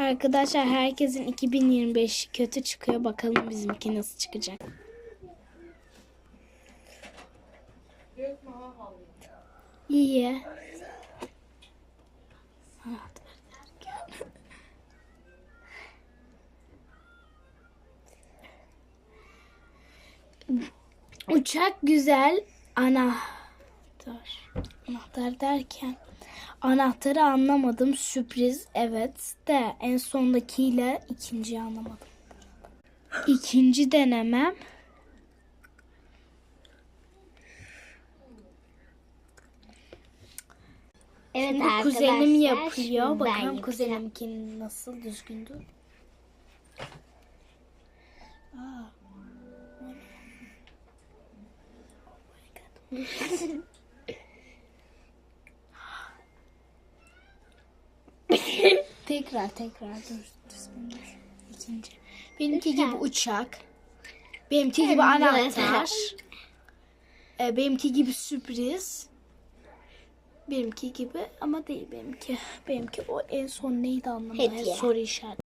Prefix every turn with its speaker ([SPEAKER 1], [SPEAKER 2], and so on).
[SPEAKER 1] Arkadaşlar herkesin 2025 kötü çıkıyor. Bakalım bizimki nasıl çıkacak. İyi. Uçak güzel. Anahtar derken anahtarı anlamadım. Sürpriz evet de en sondakiyle ikinciyi anlamadım. İkinci denemem.
[SPEAKER 2] Evet
[SPEAKER 1] Şimdi
[SPEAKER 2] arkadaşlar.
[SPEAKER 1] kuzenim yapıyor.
[SPEAKER 2] Şimdi ben
[SPEAKER 1] Bakalım
[SPEAKER 2] yapacağım.
[SPEAKER 1] kuzenimki nasıl düzgündür. Tekrar dur. Düzgün dur. İkinci. Benimki gibi uçak. Benimki gibi anahtar. Benimki gibi sürpriz. Benimki gibi ama değil benimki. Benimki o en son neydi anlamadım.
[SPEAKER 2] Hediye.
[SPEAKER 1] Soru işareti.